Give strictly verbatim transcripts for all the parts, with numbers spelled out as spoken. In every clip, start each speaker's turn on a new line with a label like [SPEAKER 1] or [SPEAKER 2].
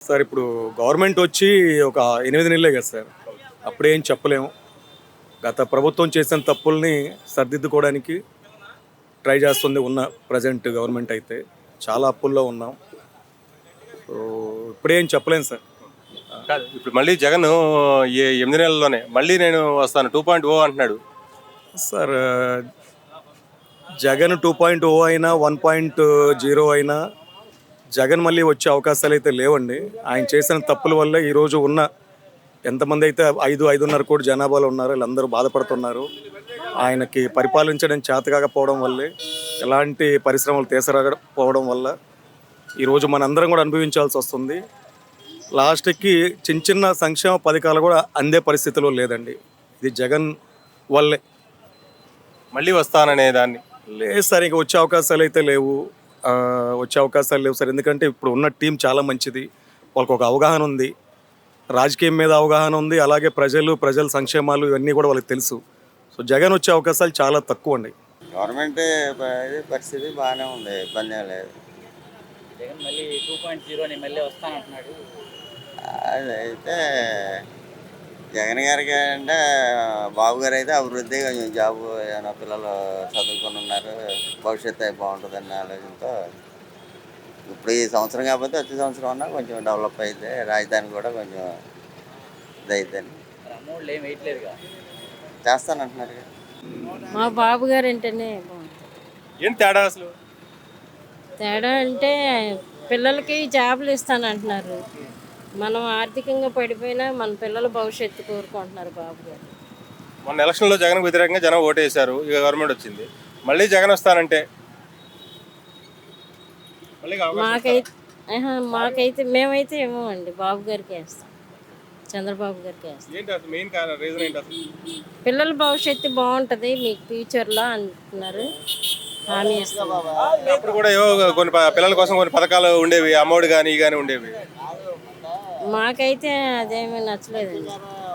[SPEAKER 1] Sir ఇప్పుడు government వచ్చి ఒక ఎనిమిది నెలలే కదా సార్, అప్పుడేం చెప్పలేము. గత ప్రభుత్వం చేసిన తప్పుల్ని సరిదిద్దుకోవడానికి ట్రై చేస్తుంది ఉన్న ప్రజెంట్ గవర్నమెంట్. అయితే చాలా అప్పుల్లో ఉన్నాం. సో ఇప్పుడేం చెప్పలేము సార్.
[SPEAKER 2] కాదు ఇప్పుడు మళ్ళీ జగన్ ఈ ఎనిమిది నెలల్లోనే మళ్ళీ నేను వస్తాను టూ పాయింట్ ఓ అంటున్నాడు.
[SPEAKER 1] Sir Jagan two point O అయినా వన్ పాయింట్ జీరో అయినా జగన్ మళ్ళీ వచ్చే అవకాశాలు అయితే లేవండి. ఆయన చేసిన తప్పుల వల్ల ఈరోజు ఉన్న ఎంతమంది అయితే ఐదు ఐదున్నర కోటి జనాభాలో ఉన్నారో వీళ్ళందరూ బాధపడుతున్నారు. ఆయనకి పరిపాలించడం చేతకాకపోవడం వల్లే, ఎలాంటి పరిశ్రమలు తీసరాకపోవడం వల్ల ఈరోజు మనందరం కూడా అనుభవించాల్సి వస్తుంది. లాస్ట్కి చిన్న చిన్న సంక్షేమ పథకాలు కూడా అందే పరిస్థితిలో లేదండి. ఇది జగన్ వల్లే.
[SPEAKER 2] మళ్ళీ వస్తాననే దాన్ని
[SPEAKER 1] లేదు సార్, ఇక వచ్చే అవకాశాలు అయితే లేవు. వచ్చే అవకాశాలు లేవు సార్. ఎందుకంటే ఇప్పుడు ఉన్న టీం చాలా మంచిది, వాళ్ళకి ఒక అవగాహన ఉంది, రాజకీయం మీద అవగాహన ఉంది, అలాగే ప్రజలు ప్రజల సంక్షేమాలు ఇవన్నీ కూడా వాళ్ళకి తెలుసు. సో జగన్ వచ్చే అవకాశాలు చాలా తక్కువ అండి.
[SPEAKER 3] గవర్నమెంట్ పరిస్థితి బాగానే ఉంది, ఇబ్బంది ఏం లేదు.
[SPEAKER 4] జగన్ మళ్ళీ టూ పాయింట్ జీరోని మళ్ళీ వస్తానంటున్నాడు.
[SPEAKER 3] అదైతే జగన్ గారికి అంటే బాబు గారు అయితే అభివృద్ధి కొంచెం జాబు ఏమైనా పిల్లలు చదువుకొని ఉన్నారు, భవిష్యత్తు అయి బాగుంటుందన్న ఆలోచనతో ఇప్పుడు ఈ సంవత్సరం కాకపోతే వచ్చే సంవత్సరం అన్నా కొంచెం డెవలప్ అయితే రాజధాని కూడా కొంచెం ఇదైద్దని.
[SPEAKER 4] అమౌంట్లు ఏం వేయట్లేదుగా,
[SPEAKER 3] చేస్తానంటున్నారు.
[SPEAKER 5] మా బాబు గారు అంటేనే బాగుంటుంది.
[SPEAKER 2] ఏం తేడా అసలు?
[SPEAKER 5] తేడా అంటే పిల్లలకి జాబులు ఇస్తానంటున్నారు. మనం ఆర్థికంగా పడిపోయినా మన పిల్లల భవిష్యత్తు కోరుకుంటున్నారు బాబు గారు.
[SPEAKER 2] మొన్న ఎలక్షన్లో జగన్ వ్యతిరేకంగా జనం ఓటేశారు, ఇక గవర్నమెంట్ వచ్చింది, మళ్ళీ జగన్ వస్తానంటే
[SPEAKER 5] మాకైతే మాకైతే మేమైతే ఏమో అండి బాబు గారికి వేస్తాం, చంద్రబాబు గారికి వేస్తాం.
[SPEAKER 2] మెయిన్ రీజన్ ఏంటి అసలు?
[SPEAKER 5] పిల్లల భవిష్యత్తు బాగుంటుంది మీకు ఫ్యూచర్లో అంటున్నారు, హామీ ఇస్తాం.
[SPEAKER 2] అప్పుడు కూడా ఏవో కొన్ని పిల్లల కోసం కొన్ని పథకాలు ఉండేవి, అమౌంట్ కానీ కానీ ఉండేవి.
[SPEAKER 5] మాకైతే అదేమీ నచ్చలేదండి.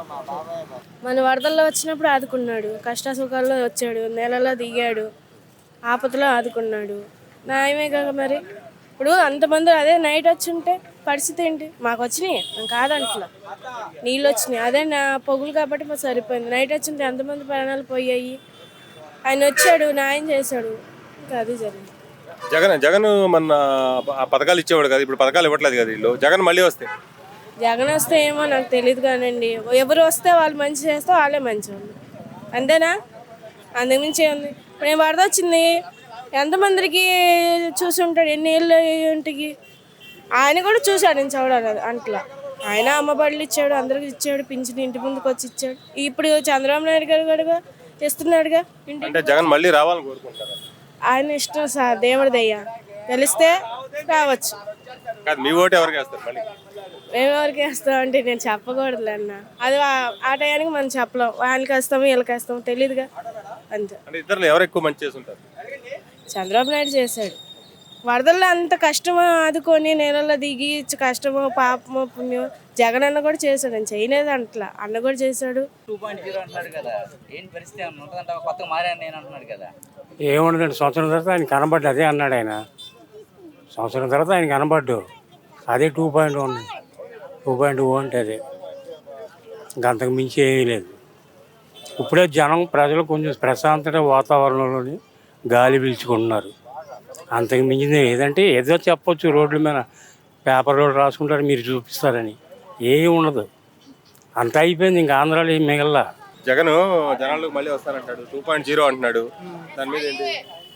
[SPEAKER 6] మన వరదల్లో వచ్చినప్పుడు ఆదుకున్నాడు, కష్ట సుఖాల్లో వచ్చాడు, నెలలో దిగాడు, ఆపదలో ఆదుకున్నాడు, న్యాయమే కదా. మరి ఇప్పుడు అంతమంది అదే నైట్ వచ్చి ఉంటే పరిస్థితి ఏంటి? మాకు వచ్చినాయి, మేము కాదంట్లా, నీళ్ళు వచ్చినాయి, అదే నా పొగులు కాబట్టి మాకు సరిపోయింది. నైట్ వచ్చి ఉంటే ఎంతమంది ప్రాణాలు పోయాయి. ఆయన వచ్చాడు, న్యాయం చేశాడు, ఇంకా అది జరిగింది.
[SPEAKER 2] జగన్ జగన్ మన పథకాలు ఇచ్చేవాడు కదా, ఇప్పుడు పథకాలు ఇవ్వట్లేదు కదా వీళ్ళు. జగన్ మళ్ళీ వస్తే
[SPEAKER 6] జగన్ వస్తే ఏమో నాకు తెలియదు కానండి. ఎవరు వస్తే వాళ్ళు మంచి చేస్తే వాళ్ళే మంచి వాళ్ళు, అంతేనా? అందుగురించి ఏముంది. ఇప్పుడు నేను వరద వచ్చింది, ఎంతమందికి చూసి ఉంటాడు, ఎన్ని ఏళ్ళు ఇంటికి ఆయన కూడా చూశాడు. నేను చూడాలి అంట్లా ఆయన అమ్మబడులు ఇచ్చాడు, అందరికి ఇచ్చాడు, పింఛన్ ఇంటి ముందుకు వచ్చి ఇచ్చాడు. ఇప్పుడు చంద్రబాబు నాయుడు గారు కూడా ఇస్తున్నాడుగా ఇంటి.
[SPEAKER 2] అంటే జగన్ మళ్ళీ రావాలని కోరుకుంటారు.
[SPEAKER 6] ఆయన ఇష్టం సార్, దేవుడిదయ్యా, గెలిస్తే రావచ్చు.
[SPEAKER 2] మీ ఓటు ఎవరికి వేస్తారు మళ్ళీ?
[SPEAKER 6] మేము ఎవరికి వేస్తాం అంటే నేను చెప్పకూడదు అన్న, అది ఆ టయానికి మనం చెప్పలేం. వాళ్ళకి వేస్తాము వీళ్ళకి వేస్తాము తెలియదుగా, అంతే.
[SPEAKER 2] అంటే ఇద్దరు ఎవరు ఎక్కువ మంచి చేస్తుంటారు?
[SPEAKER 6] చంద్రబాబు నాయుడు చేశాడు. వరదల్లో అంత కష్టమో ఆదుకొని నేలలో దిగి కష్టమో పాపమో పుణ్యమో జగన్ అన్న కూడా చేశాడు. అని చేయలేదు అంటలా, అన్న కూడా చేశాడు.
[SPEAKER 4] టూ పాయింట్ జీరో అంటున్నాడు కదా, ఏంటి పరిస్థితి ఏమన్నా ఉంటుందంటే కొత్తగా మారాను నేను అంటున్నాడు కదా.
[SPEAKER 7] ఏముండదండి, సంవత్సరం తర్వాత ఆయన కనబడ్డు, అదే అన్నాడు ఆయన. సంవత్సరం తర్వాత ఆయన కనబడ్డు, అదే two point one two point O అంటే అదే, ఇంకంతకు మించి ఏమీ లేదు. ఇప్పుడే జనం ప్రజలు కొంచెం ప్రశాంతత వాతావరణంలోని గాలి పీల్చుకుంటున్నారు. అంతకు మించింది ఏదంటే ఏదో చెప్పొచ్చు, రోడ్ల మీద పేపర్లో రాసుకుంటారు, మీరు చూపిస్తారని ఏమీ ఉండదు. అంత అయిపోయింది, ఇంకా ఆంధ్రాలో ఏం మిగల్లా.
[SPEAKER 2] జగన్ జనాలకు మళ్ళీ వస్తానంటాడు, టూ పాయింట్ జీరో అంటున్నాడు, దాని మీద ఏంటి?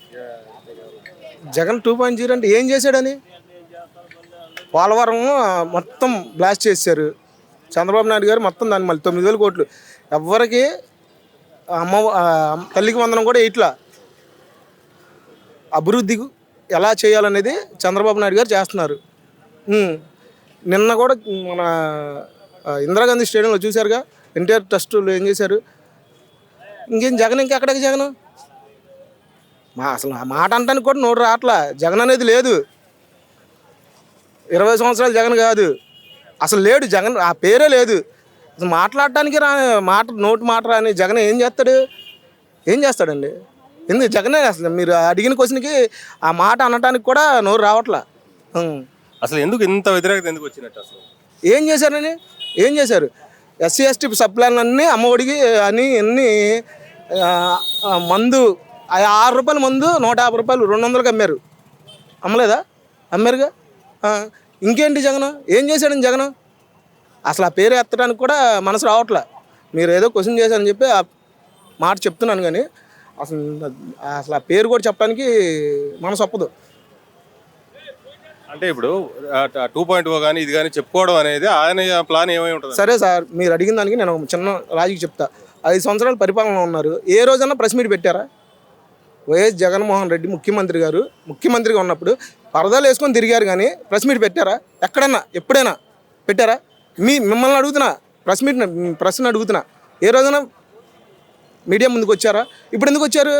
[SPEAKER 8] జగన్ టూ పాయింట్ జీరో అంటే ఏం చేశాడని? పోలవరం మొత్తం బ్లాస్ట్ చేశారు చంద్రబాబు నాయుడు గారు. మొత్తం దాన్ని మళ్ళీ తొమ్మిది వేల కోట్లు ఎవరికి అమ్మ తల్లికి వందనం కూడా ఇట్లా అభివృద్ధి ఎలా చేయాలనేది చంద్రబాబు నాయుడు గారు చేస్తున్నారు. నిన్న కూడా మన ఇందిరాగాంధీ స్టేడియంలో చూశారుగా, ఎన్టీఆర్ ట్రస్టులు ఏం చేశారు. ఇంకేం జగన్ ఇంకెక్కడికి జగన్ మా అసలు ఆ మాట అంటానికి కూడా నోరు రావట్లా. జగన్ అనేది లేదు, ఇరవై సంవత్సరాలు జగన్ కాదు, అసలు లేడు జగన్, ఆ పేరే లేదు. అసలు మాట్లాడటానికి రా మాట నోటు మాట రాని జగన్ ఏం చేస్తాడు? ఏం చేస్తాడండి? ఎందుకు జగనే అసలు మీరు అడిగిన క్వశ్చన్కి ఆ మాట అనటానికి కూడా నోరు రావట్లా.
[SPEAKER 2] అసలు ఎందుకు ఇంత వ్యతిరేకత ఎందుకు వచ్చినట్టు అసలు?
[SPEAKER 8] ఏం చేశారని ఏం చేశారు? ఎస్సీ ఎస్టీ సప్లాన్ అన్నీ అమ్మఒడికి అని అన్ని మందు ఆ ఆరు రూపాయల మందు నూట యాభై రూపాయలు రెండు వందలకి అమ్మారు. అమ్మలేదా? అమ్మారుగా. ఆ, ఇంకేంటి జగన్ ఏం చేశాడని జగన్ అసలు ఆ పేరు ఎత్తడానికి కూడా మనసు రావట్లే. మీరు ఏదో క్వశ్చన్ చేశారని చెప్పి ఆ మాట చెప్తున్నాను, కానీ అసలు అసలు ఆ పేరు కూడా చెప్పడానికి మనసు ఒప్పదు.
[SPEAKER 2] అంటే ఇప్పుడు టూ పాయింట్ ఓ కానీ ఇది కానీ చెప్పుకోవడం అనేది ఆయన ప్లాన్ ఏమై ఉంటుంది?
[SPEAKER 8] సరే సార్, మీరు అడిగిన దానికి నేను ఒక చిన్న లాజిక్ చెప్తా. ఐదు సంవత్సరాలు పరిపాలన ఉన్నారు, ఏ రోజన్నా ప్రెస్ మీట్ పెట్టారా? వైఎస్ జగన్మోహన్ రెడ్డి ముఖ్యమంత్రి గారు ముఖ్యమంత్రిగా ఉన్నప్పుడు పరదాలు వేసుకొని తిరిగారు, కానీ ప్రెస్ మీట్ పెట్టారా? ఎక్కడన్నా ఎప్పుడైనా పెట్టారా? మీ మిమ్మల్ని అడుగుతున్నా, ప్రెస్ మీట్ ప్రశ్న అడుగుతున్నా, ఏ రోజైనా మీడియా ముందుకు వచ్చారా? ఇప్పుడు ఎందుకు వచ్చారు?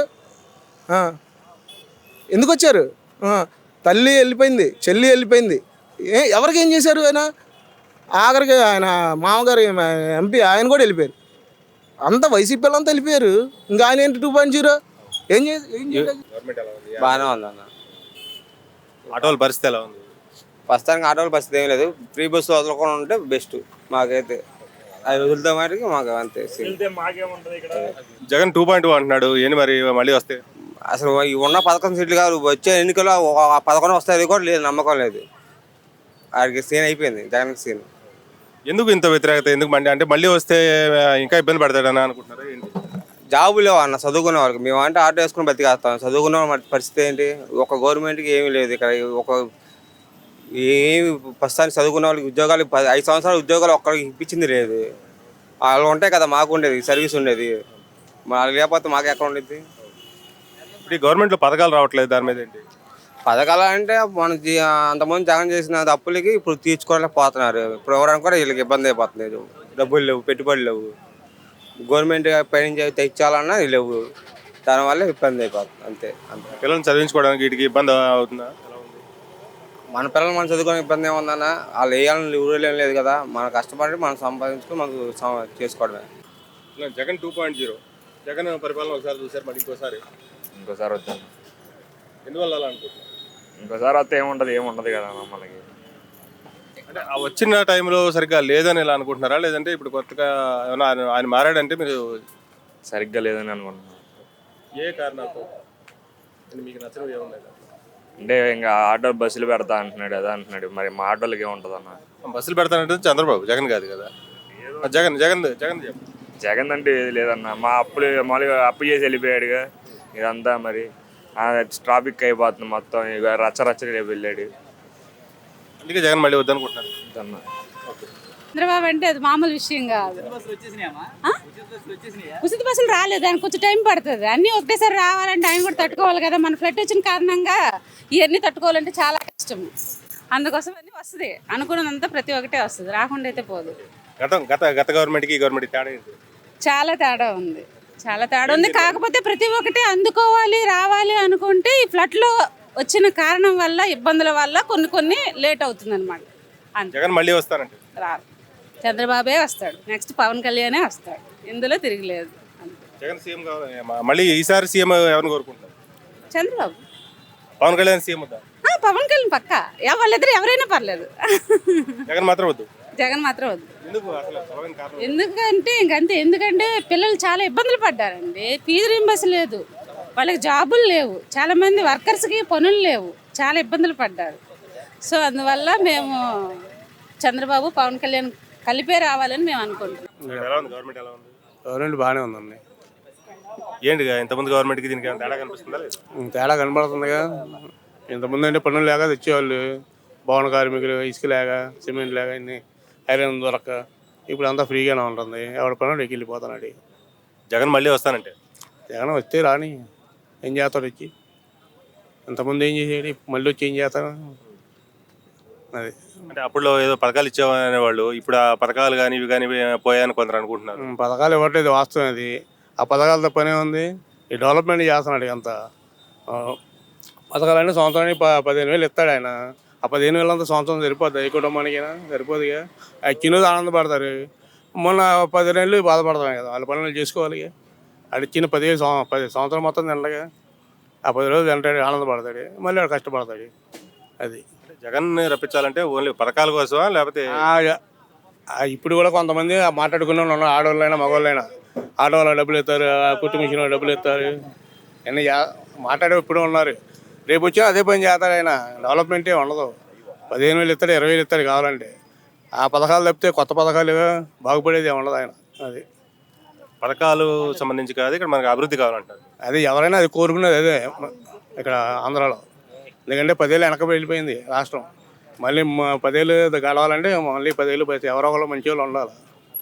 [SPEAKER 8] ఎందుకు వచ్చారు? తల్లి వెళ్ళిపోయింది, చెల్లి వెళ్ళిపోయింది, ఏ ఎవరికి ఏం చేశారు? ఆయన ఆఖరికి ఆయన మామగారు ఎంపీ ఆయన కూడా వెళ్ళిపోయారు. అంతా వైసీపీ వాళ్ళంతా వెళ్ళిపోయారు. ఇంకా ఆయన ఏంటి టూ పాయింట్ జీరో ఏం చేసి ఏం చేయలేదు.
[SPEAKER 9] బాగానే ఉందన్న.
[SPEAKER 2] ఆటోల పరిస్థితి ఎలా ఉంది?
[SPEAKER 9] ప్రస్తుతానికి ఆటోల పరిస్థితి ఏం లేదు. ఫ్రీ బస్సు వదలకుండా ఉంటే బెస్ట్ మాకైతే. అది వదులుతా మరి మాకు అంతే.
[SPEAKER 2] జగన్ టూ పాయింట్ ఓ అంటున్నాడు, ఏంటి మరి మళ్ళీ వస్తే?
[SPEAKER 9] అసలు ఈ ఉన్న పథకం సీట్లు కాదు, వచ్చే ఎన్నికల్లో పథకం వస్తాయి కూడా లేదు, నమ్మకం లేదు. వాడికి సీన్ అయిపోయింది జగన్కి సీన్.
[SPEAKER 2] ఎందుకు ఇంత వ్యతిరేకత ఎందుకు మండి? అంటే మళ్ళీ వస్తే ఇంకా ఇబ్బంది పడతాడని అనుకుంటున్నారు ఏంటి?
[SPEAKER 9] జాబు లేవు అన్న చదువుకునే వాళ్ళకి. మేము అంటే ఆటో వేసుకుని బతికేస్తాం, చదువుకునే వాళ్ళ పరిస్థితి ఏంటి? ఒక గవర్నమెంట్కి ఏమీ లేదు ఇక్కడ. ఒక ఏమి ప్రస్తుతానికి చదువుకునే వాళ్ళకి ఉద్యోగాలు ఐదు సంవత్సరాలు ఉద్యోగాలు ఒక్కరికి ఇప్పించింది లేదు. వాళ్ళు ఉంటాయి కదా, మాకు ఉండేది సర్వీస్ ఉండేది, వాళ్ళకి లేకపోతే మాకు ఎక్కడ ఉండేది?
[SPEAKER 2] ఇప్పుడు ఈ గవర్నమెంట్లో పథకాలు రావట్లేదు, దాని మీద ఏంటి?
[SPEAKER 9] పథకాలు అంటే మన అంతకుముందు జగన్ చేసిన అప్పులకి ఇప్పుడు తీర్చుకోలేకపోతున్నారు. ఇప్పుడు ఇవ్వడానికి కూడా వీళ్ళకి ఇబ్బంది అయిపోతుంది. డబ్బులు లేవు, పెట్టుబడులు లేవు, గవర్నమెంట్ పైన తెచ్చాలన్నా లేవు, దానివల్ల ఇబ్బంది అయిపోతుంది. అంతే అంతే
[SPEAKER 2] పిల్లల్ని చదివించుకోవడానికి వీటికి ఇబ్బంది అవుతుందా?
[SPEAKER 9] మన పిల్లలు మనం చదువుకునే ఇబ్బంది ఏముందన్న? వాళ్ళు వేయాలని ఊరేం లేదు కదా, మనం కష్టపడి మనం సంపాదించుకొని మనకు చేసుకోవడమే.
[SPEAKER 2] Jagan two point zero Jagan పరిపాలన ఒకసారి చూసారు, మరి ఇంకోసారి
[SPEAKER 10] ఇంకోసారి వద్దాం.
[SPEAKER 2] ఎందువల్ల అలా అనుకుంటున్నారు?
[SPEAKER 10] ఇంకోసారి వస్తే ఏముంటుంది? ఏముండదు కదా మనకి.
[SPEAKER 2] అంటే ఆ వచ్చిన టైంలో సరిగ్గా లేదని ఇలా అనుకుంటున్నారా, లేదంటే ఇప్పుడు కొత్తగా ఏమైనా ఆయన ఆయన మారాడంటే మీరు
[SPEAKER 10] సరిగ్గా లేదని అనుకుంటున్నాను.
[SPEAKER 2] ఏ కారణాలతో మీకు నచ్చడం ఏమున్నాయి?
[SPEAKER 10] అంటే ఇంకా ఆటో బస్సులు పెడతా అంటున్నాడు, అదే అంటున్నాడు. మరి మా ఆటోలకి ఏముంటుంది అన్న?
[SPEAKER 2] బస్సులు పెడతానంటే చంద్రబాబు, జగన్ కాదు కదా. జగన్ జగన్ జగన్
[SPEAKER 10] జగన్ అంటే ఏది లేదన్న. మా అప్పులు మామూలుగా అప్పు చేసి వెళ్ళిపోయాడుగా, ఇదంతా మరి ట్రాఫిక్ అయిపోతుంది మొత్తం. ఇక రచ్చ రచ్చ రేపు వెళ్ళాడు,
[SPEAKER 2] అందుకే జగన్ మళ్ళీ వద్దనుకుంటున్నాను.
[SPEAKER 11] చంద్రబాబు అంటే అది మామూలు విషయం కాదు. ఉచిత బస్సులు రాలేదు, దానికి కొంచెం టైం పడుతుంది. అన్నీ ఒకటేసారి రావాలంటే ఆయన కూడా తట్టుకోవాలి కదా. మన ఫ్లడ్ వచ్చిన కారణంగా ఇవన్నీ తట్టుకోవాలంటే చాలా కష్టం. అందుకోసం అన్నీ వస్తుంది, అనుకున్నదంతా ప్రతి ఒక్కటే వస్తుంది, రాకుండా అయితే పోదు.
[SPEAKER 2] గత గత గత గవర్నమెంట్కి ఈ గవర్నమెంట్ తేడా ఏంటి?
[SPEAKER 11] చాలా తేడా ఉంది, చాలా తేడా ఉంది. కాకపోతే ప్రతి ఒక్కటి అందుకోవాలి రావాలి అనుకుంటే ఈ ఫ్లడ్లో వచ్చిన కారణం వల్ల ఇబ్బందుల వల్ల కొన్ని కొన్ని లేట్ అవుతుంది అనమాట.
[SPEAKER 2] జగన్ మళ్ళీ వస్తానంటే
[SPEAKER 11] రారు, చంద్రబాబే వస్తాడు, నెక్స్ట్ పవన్ కళ్యాణే వస్తాడు, ఇందులో తిరగలేదు.
[SPEAKER 2] జగన్ సీఎం కావాలి మళ్ళీ. ఈసారి సీఎం ఎవరిని కోరుకుంటారు?
[SPEAKER 11] చంద్రబాబు.
[SPEAKER 2] పవన్ కళ్యాణ్ సీఎం వద్దా?
[SPEAKER 11] పవన్ కళ్యాణ్ పక్క, వాళ్ళిద్దరు ఎవరైనా పర్లేదు,
[SPEAKER 2] జగన్ మాత్రం వద్దు.
[SPEAKER 11] జగన్ మాత్రం వద్దు.
[SPEAKER 2] ఎందుకు అసలు బలమైన కారణం?
[SPEAKER 11] ఎందుకంటే ఇంకంతే, ఎందుకంటే పిల్లలు చాలా ఇబ్బందులు పడ్డారండి. ఫీజు రీంబర్స్ లేదు, వాళ్ళకి జాబులు లేవు, చాలా మంది వర్కర్స్కి పనులు లేవు, చాలా ఇబ్బందులు పడ్డారు. సో అందువల్ల మేము చంద్రబాబు పవన్ కళ్యాణ్ కలిపే రావాలని మేము అనుకుంటున్నాం.
[SPEAKER 2] ఎలా ఉంది గవర్నమెంట్? ఎలా ఉంది?
[SPEAKER 8] గవర్నమెంట్ బాగానే ఉందండి.
[SPEAKER 2] ఏంటిగా ఇంతకుముందు గవర్నమెంట్కి దీనికి తేడా కనిపిస్తుందా? లేదు
[SPEAKER 8] తేడా కనబడుతుందిగా. ఇంతకుముందు అంటే పనులు లేక తెచ్చేవాళ్ళు, భవన కార్మికులు ఇసుక లేక, సిమెంట్ లేక, అన్ని ఐరన్ దొరక. ఇప్పుడు అంతా ఫ్రీగానే ఉంటుంది, ఎవరి పనులు ఎక్కి వెళ్ళిపోతున్నాడు.
[SPEAKER 2] జగన్ మళ్ళీ వస్తానంటే
[SPEAKER 8] జగన్ వస్తే రాని ఏం చేస్తాడు వచ్చి? ఇంతకుముందు ఏం చేసేది, మళ్ళీ వచ్చి ఏం చేస్తాడు? అది
[SPEAKER 2] అంటే అప్పుడు ఏదో పథకాలు ఇచ్చేవానే వాళ్ళు, ఇప్పుడు ఆ పథకాలు కానీ ఇవి కానీ పోయాయని కొందరు అనుకుంటున్నారు.
[SPEAKER 8] పథకాలు ఇవ్వట్లేదు, వాస్తవం అది. ఆ పథకాలతో పనే ఉంది, ఈ డెవలప్మెంట్ చేస్తున్నాడు. అంత పథకాలన్నీ సంవత్సరానికి ప పదిహేను వేలు ఇస్తాడు ఆయన. ఆ పదిహేను వేలు అంతా సంవత్సరం సరిపోద్ది ఏ కుటుంబానికైనా? సరిపోదుగా. ఆ చిన్నది ఆనందపడతారు, మొన్న పది నెలలు బాధపడతాం కదా, వాళ్ళ పనులు చేసుకోవాలి. అది చిన్న పదిహేను సంవ పది సంవత్సరం మొత్తం తినగా ఆ పది రోజులు తింటాడు, ఆనందపడతాడు, మళ్ళీ వాడు కష్టపడతాడు. అది
[SPEAKER 2] జగన్ రప్పించాలంటే ఓన్లీ పథకాల కోసమా లేకపోతే
[SPEAKER 7] ఆ- ఆ ఇప్పుడు కూడా కొంతమంది మాట్లాడుకునే వాళ్ళు ఉన్నారు, ఆడవాళ్ళైనా మగవాళ్ళైనా. ఆడవాళ్ళు డబ్బులు ఇస్తారు, కుట్టు మిషన్ వాళ్ళు డబ్బులు ఇస్తారు, అన్నీ చే- మాట్లాడే ఇప్పుడు ఉన్నారు. రేపు వచ్చినా అదే పని చేస్తాడు ఆయన. డెవలప్మెంటే ఉండదు. పదిహేను వేలు ఇస్తాడు, ఇరవై వేలు ఇస్తాడు కావాలంటే. ఆ పథకాలు తప్పితే కొత్త పథకాలు బాగుపడేది ఉండదు ఆయన. అది
[SPEAKER 2] పథకాలు సంబంధించి కాదు, ఇక్కడ మనకి అభివృద్ధి కావాలంటారు.
[SPEAKER 7] అది ఎవరైనా అది కోరుకునేది అదే ఇక్కడ ఆంధ్రాలో. ఎందుకంటే పదేళ్ళు వెనక వెళ్ళిపోయింది రాష్ట్రం. మళ్ళీ మ- పదేళ్ళు గడవాలంటే మళ్ళీ పదేళ్ళు పోతే ఎవరో ఒకరు మంచి వాళ్ళు ఉండాలి.